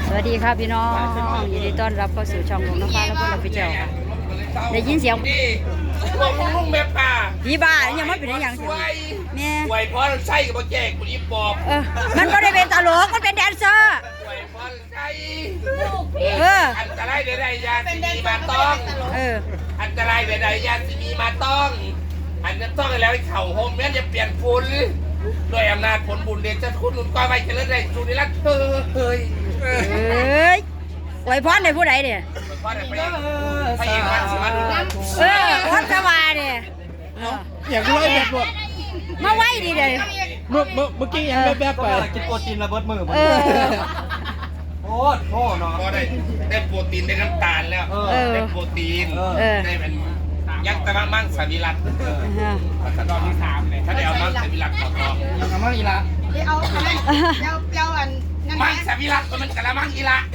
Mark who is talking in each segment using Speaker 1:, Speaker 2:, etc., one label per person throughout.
Speaker 1: สวัสดีครับพี่น้องยินดีต้อนรับเข้าสู่ช่องของน้องฟ้าและพวกเราพี่เจ้าค่ะได้ยินเสียง
Speaker 2: พวกลุงแม่ป่า
Speaker 1: พี่บ้ายังไม่เป็นอย่างเสียงแม่
Speaker 2: ป่วยเพราะใช่กับแจกกูนี่บอก
Speaker 1: มันก็ได้เป็นตลกมันเป็นแดนเซอร์
Speaker 2: ป่วยเพราะใช่อันตรายใดๆยาสีมีมาต้องอันตรายใดๆยาสีมีมาต้องอันนั้นต้องแล้วเข่าโฮมแม่จะเปลี่ยนฝุ่นด้วยอำนาจผลบุญเดชจะคุณหนุนก้อยไว้จะเลิศได้สุนิรัตน์เฮ้ย
Speaker 1: ไว้พรในผู้ใดเนี่ย
Speaker 2: พระเอกวันสิมาดู
Speaker 1: พรสวาเนี่ย
Speaker 3: อยากรู้ไอ้แบบว่า
Speaker 1: มาไว้ดีเลย
Speaker 3: เมื่อกี้ยังแบบไปกินโปรตีนระเบิดมือโอ้โหเนาะ
Speaker 2: ก็ได้โปรตีนได้น้ำตาลแล้วได้โปรตีนได้เป็นยักษ์ตะมั่งสวิรัตตอนที่3เลยถ้าได้เอามั่งสวิรัตต่อ
Speaker 3: เอามั่งอีละ
Speaker 4: เอาอัน
Speaker 2: มั่งสวิรัตมันกะละมั่งอีละ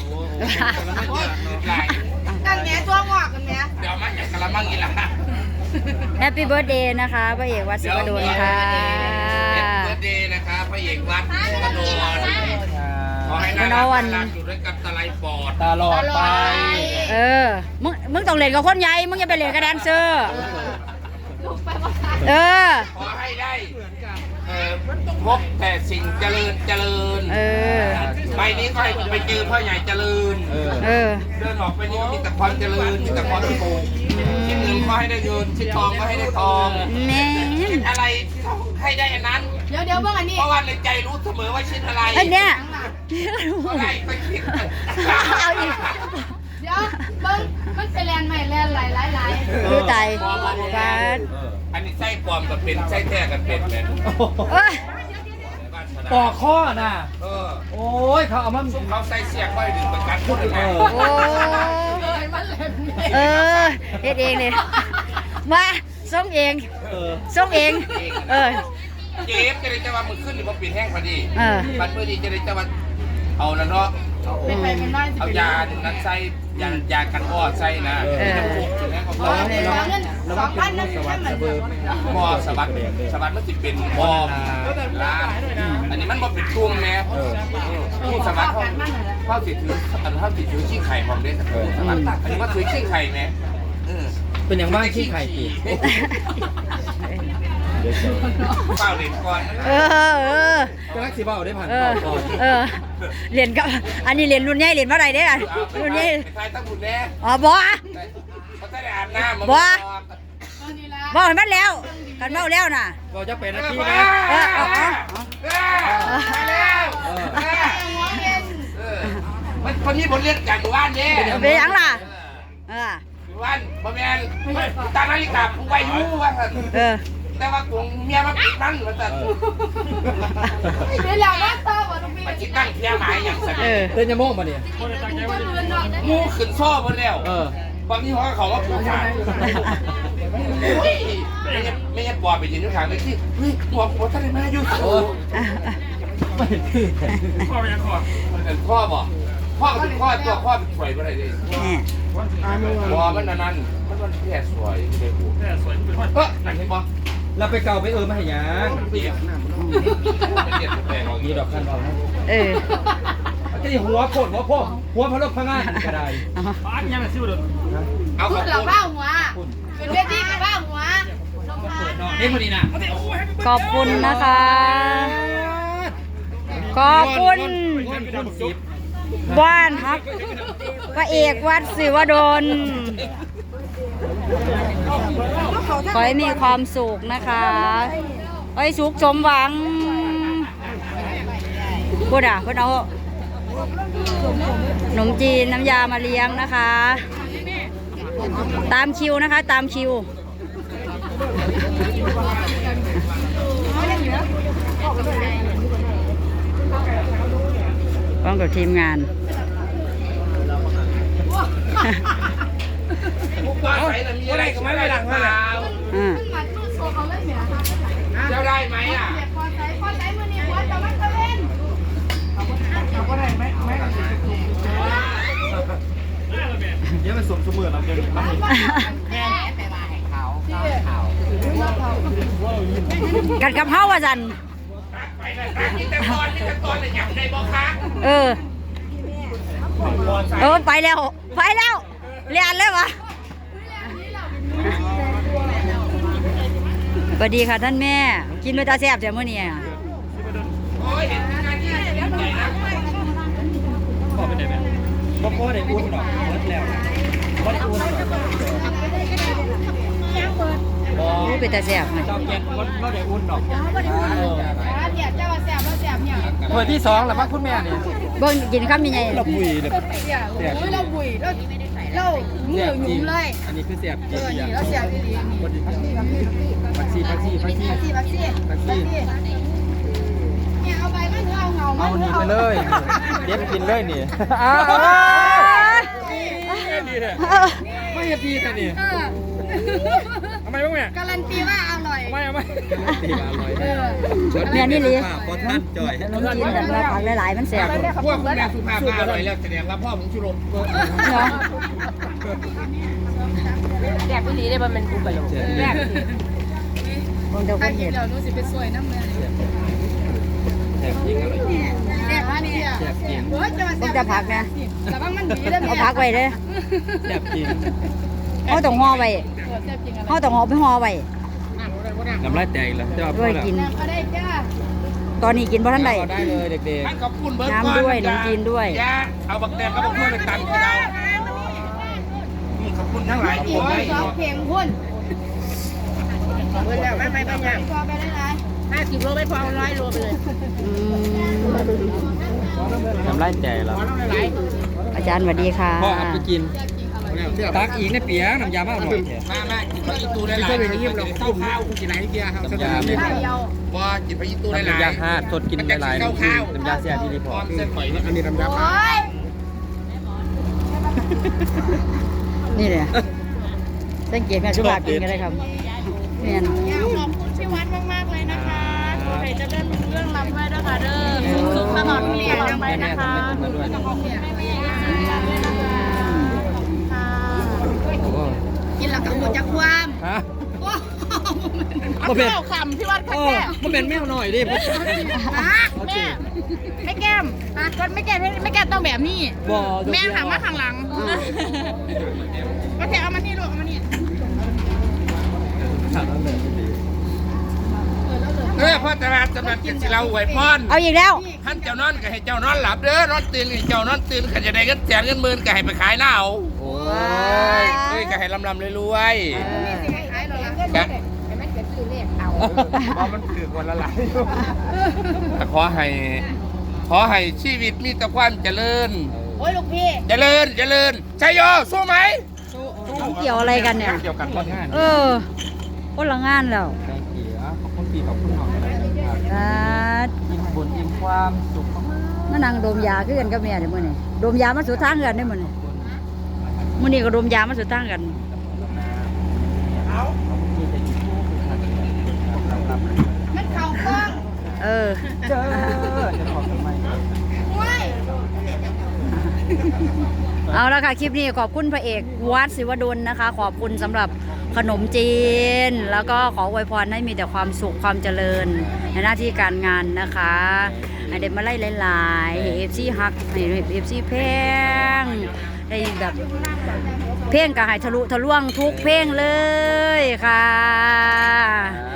Speaker 4: นั่นแม่ตัวงอกกันแม่
Speaker 2: เดี๋ยวมั่งกะละมั่งอีละ
Speaker 1: แฮปปี้เบิร์ธเดย์นะคะพระเอกวัดศิวดลค่ะ
Speaker 2: แฮปปี้เบิร์ธเดย์นะคะพระเอกวัดศิวดลขอให้น่ารักอยู่ด้วยกันตลอดปอด
Speaker 3: ตลอดไป
Speaker 1: มึงต้องเล่นกับคนใหญ่มึงอย่าไปเล่นกับแดนเซอร์
Speaker 2: ขอให้ได้พบแต่สิ่งเจริญไปนี้ก็ไปเจอพ่อใหญ่เจริญเดินออกไปนี่ก็มีแต่ความเจริญมีแต่ความสุขชิ้นเงินก็ให้ได้เงินชิ้นทองก็ให้ได้ทองชิ้นอะไรให้ได้อันนั้น
Speaker 4: เดี๋ยวเบิ่งอันนี้
Speaker 2: เพราะว่าในใจรู้เสมอว่าชิ้นอะไร
Speaker 1: อันเนี้ย
Speaker 2: อะไรไปคิด
Speaker 4: เดี๋ยวเบิ่งมันเป็นแลนใหม่แลนหลาย
Speaker 1: คือใจบ้าน
Speaker 2: อันนี้ไส้ปลอมกับเป็นไส้แท้กันเป็นไหม
Speaker 3: ปอกข้อน่ะโอ้ยเขาเอามา
Speaker 2: เขาใส่เสียกไว้ดึงประกันพูดเลย
Speaker 1: เฮ็ดเองเลยมาส่งเอง
Speaker 2: เจ็บจะได้จะว่ามือขึ้นหรือว่าปิดแห้งพอดีบัดมือดีจะได้จะว่าเอาแล้วเนาะเอายานั้นใส่ยากันวอดใส่นะจะพุกถึงแห้งเขาบอก
Speaker 4: 2,000นั่นให้มัน
Speaker 2: หม้อสวัสดิ์มันจะเป็นหม้อล้างอันนี้มันบ่เป็นช่วงแม่ผู้สวัสดิ์เขาติดถือขี้ไข่ของเด็กสวัสดิ์อันนี้ว่าถือขี้ไข่ไหม
Speaker 3: เป็นอย่างบ้างขี้ไข่ตี
Speaker 2: เปล่าเด่นก่อน
Speaker 3: ก็รักสีเบาได้ผ่าน
Speaker 1: เรียนกับอันนี้เรียนรุ่นใหญ่เรียนเมื่อไรเนี่ยรุ่นใหญ่
Speaker 2: ใครตั้งบุญแน่
Speaker 1: บ่
Speaker 2: เขาจะได้อาบน้ำ
Speaker 1: บ่เห็นมันแล้วกันเมาแล้วน่ะ
Speaker 3: ก็จะเป็นนาทีนะ
Speaker 2: มันคนนี้บทเรียนจากบ้านเนี่ย
Speaker 1: เป็นยังล่ะ
Speaker 2: บ้านบ่แม่นตานาฬิกาผู้ไว้รู้ว่าแต่ว่ากูเมียมาปิดนั่งมาแต่
Speaker 4: เดี๋ยวแล้วต่อบ่ต้องมี
Speaker 2: มันจิตั้งเพียหมายอย่างสัก
Speaker 3: เต้นยาโม่มาเนี่ย
Speaker 2: มูขึ้นโซ่หมดแล้วบางทีเขาว่าผู้ชายไม่ใช่ปอบไปยืนอยู่ข้างเลยที่ปอบท่านมาอยู่พ่อเป็นพ่อบอกพ่อก็เป็นพ่อตัวพ่อเป็นสวยอะไรเลยพ่อมันนั่นมันแค่สวยไม่ได้หูแค่สวยเป็นพ่อนั่นใช่ปะ
Speaker 3: เราไปเก่าไปมาให้ยัง
Speaker 2: เปลี่ยนแต่ของ
Speaker 3: นี้ดอกคันเราจะหัวโคตรหัวพะโล้พังงานก็ได้
Speaker 2: บ้านยังซิ่วเด้อ
Speaker 4: เอาพูดเราบ้าหัวเป็นเวทีกับบ้าหัว
Speaker 3: เฮ้ยพอดีนะ
Speaker 1: ขอบคุณนะคะขอบคุณบ้านครับพระเอกวัดศิวดลขอให้มีความสุขนะคะขอให้สุขสมหวังพูดเพื่อนเอาขนมจีนน้ำยามาเลี้ยงนะคะตามคิวนะคะตามคิวพร้อมกับทีมงาน
Speaker 2: มีอะไรก็ไม่ได้หลังมาเจ้าได้ไหมอ่ะ
Speaker 4: พอใจมือนี้ว่าจะมันจะเล่น
Speaker 3: เขาก็ได้ไหมเดี๋ยวมันสมเสมอเราเดี๋ยวนี้
Speaker 1: กัดกับเฮ้าว่าจัน
Speaker 2: ไปเลยกินแต่ตอนเลยอยากได้บอกค่ะใส่
Speaker 1: ไปแล้วเรียนเลยวะสวัสดีค่ะท่านแม่กินไปตาแซ่บแต่เมื่อนี้
Speaker 2: โอ้ยเห็นงานนี้เลี้ยงใหญ่นะ
Speaker 3: พ่อเป็นไงแม่พ่อได้อุ่นหรอกเบิดแล้วพ่อได้อุ่นหรอกบ่
Speaker 1: รู้ไปตาแซ่บไหม
Speaker 3: เจ้าแกนพ่อได้อุ่นหรอก
Speaker 4: เดี๋ยวเจ้าแสบแล้วแสบเนี่ย
Speaker 3: ถ้วยที่2แล้วพักคุณแม่นี่
Speaker 1: เบิ่งกินข้าวมีไง
Speaker 3: เราบุยเลย
Speaker 4: เดี๋ยวเราบุยเรามือหยุ่มเลย
Speaker 3: อันนี้คือเสียบจริง
Speaker 4: นี่เราแสบดีๆนี่
Speaker 3: ผักชี
Speaker 4: เนี่ยเอาใบมันเอาเงา
Speaker 3: เอานี่ไปเลยเด็ดกินเลยนี่ดีเลยไม่เห็นดีแต่นี่ทำไมบ้างแม่
Speaker 4: การันตีว่าอร่อย
Speaker 3: ไม่ตีมาอร่อย
Speaker 1: เนี่ยนี่เลย
Speaker 3: บอตันจอย
Speaker 1: น้องกินแต่ว่าผักหลายๆมันแซ่บ
Speaker 2: พวกคุณแม่สุภาพมาอร่อยแล้วแสดงว่าพ่อผมชุรม
Speaker 1: เนาะ
Speaker 4: แสบพี่ลีได้บ่มันกูไปลงแสบ
Speaker 1: มึงเดี๋ยวค
Speaker 4: ถ้าน กิ
Speaker 1: เห็
Speaker 4: น
Speaker 1: น
Speaker 4: แล้วนู้สิเป็นสวยน้ำเลย
Speaker 3: แซ่บจริงอร่อยจริง
Speaker 4: แสบอันนี้อ่ะ
Speaker 3: แซ่บจริง
Speaker 4: โอ้ยจะมาแส
Speaker 1: มึง
Speaker 4: บ
Speaker 1: จะผักนะ
Speaker 4: แต่ว่ามันดีแล้ว
Speaker 1: เอา
Speaker 4: เนี่ย
Speaker 1: ผักไว้เด้อ
Speaker 3: แซ่บจริง
Speaker 1: เขาต้องห่อไว้
Speaker 4: แสบจริงอะไร
Speaker 1: เขาต้องห่อไปห่อไว้
Speaker 3: น้ำลายแตกแล้วจะ
Speaker 1: ด้วยกิน
Speaker 4: ก็ได้จ้า
Speaker 1: ตอนนี้กินเพราะท่านใด
Speaker 3: ได้เลยเด็ก
Speaker 2: ท่านขอบคุณเบิร์ด
Speaker 1: น้ำด้วยน้ำจีนด้วย
Speaker 2: ยาเอาบักแดงกับบักทั่วไปตำกับเรานี่ขอบคุณทั้งหลาย
Speaker 4: อีกสองเพลงพุ่นเบิร์ดแล้วไม่พอไปได้ไร50 โลไม่พอ100 โลไปเลย
Speaker 1: อืม
Speaker 3: ๆน้ำลายแตกแล้ว
Speaker 1: อาจารย์สวัสดีค่ะ
Speaker 3: พ่อเอาไปกินตักอีกในเปียกน้ำยาบ้าหน่อย
Speaker 2: มากินพระอิตูได้หลายเราเข้าข้าวกินไหนเดียวครับ
Speaker 3: น้ำยาไม่
Speaker 4: ได้เดียว
Speaker 2: ว่ากินพระอิตูได้หลาย
Speaker 3: น้ำยาฮาดสดกินได้หลายน้ำยาเสียที่รีพ
Speaker 2: พ
Speaker 3: อ
Speaker 2: ร้อ
Speaker 3: ร์
Speaker 2: ม
Speaker 3: ต
Speaker 2: เส้นหอยนี่อันนี้น้ำยา
Speaker 4: โอ้ย
Speaker 1: นี่เลยสังเกตแม่สุภาพกินกันเลยครับแม่น
Speaker 4: อยากขอบคุณพี่วัดมากๆเลยนะคะขอให้เจะเริ่มเรื่องรำด้วยนะคะเด้อสุขตลอดเรียนไปนะคะกินหลักกับหัวจักความ
Speaker 3: ฮะ
Speaker 4: เอาเปล่าคำพี่วัดค่ะแม่
Speaker 3: มันเป็นแมวหน่อยดิ
Speaker 4: แม่ไม่แก้มก็ไม่แก้ไม่แก้ต้องแบบนี้
Speaker 3: บ่
Speaker 4: แม่หันมาข้างหลังก็แค่เอามานี่ลูกเอามานี่
Speaker 2: พ่อตลาดสำนักกินสิเราไหวพร
Speaker 1: เอาอีกแล้ว
Speaker 2: ท่านเจ้านอนก็ให้เจ้านอนหลับเด้อนอนตื่นให้เจ้านอนตื่นขันจะได้เงินแสนเงินหมื่นก็ให้ไปขายหน้าเอา
Speaker 3: โอ้
Speaker 2: เอ้ยก็ให้ลำรวยๆกันเพราะมันถือวันละหลายขอให้ชีวิตมีแต่ความเจริญ
Speaker 4: โอ้ยลูกพี่
Speaker 2: เจริญชัยโยสู้ไหม
Speaker 1: เกี่ยวอะไรกันเนี่ย
Speaker 2: เกี่ยวกันคนงาน
Speaker 1: คนละงานแล้ว
Speaker 3: ขอบคุณพี่ขอบคุณน้อง อิ่มบุญอิ่มความสุข
Speaker 1: มานั่งดมยาคือกันกับแม่เดี๋ยวมื้อนี้ดมยามาสู่ทางกันได้อมื้อนี้มื้อนี้ก็ดมยามาสู่ทางกัน
Speaker 4: มันเข่ากล้อง
Speaker 3: เจอจะขอบทำไม
Speaker 4: โอ้ย
Speaker 1: เอาละค่ะคลิปนี้ขอบคุณพระเอกวัดศิวดลนะคะ ขอบคุณสำหรับขนมจีน แล้วก็ขออวยพรให้มีแต่ความสุขความเจริญในหน้าที่การงานนะคะให้เด็กมาไล่หลายๆให้เอฟซีฮักให้เอฟซีเพลงได้แบบเพลงกับให้ทะลุทะลวงทุกเพลงเลยค่ะ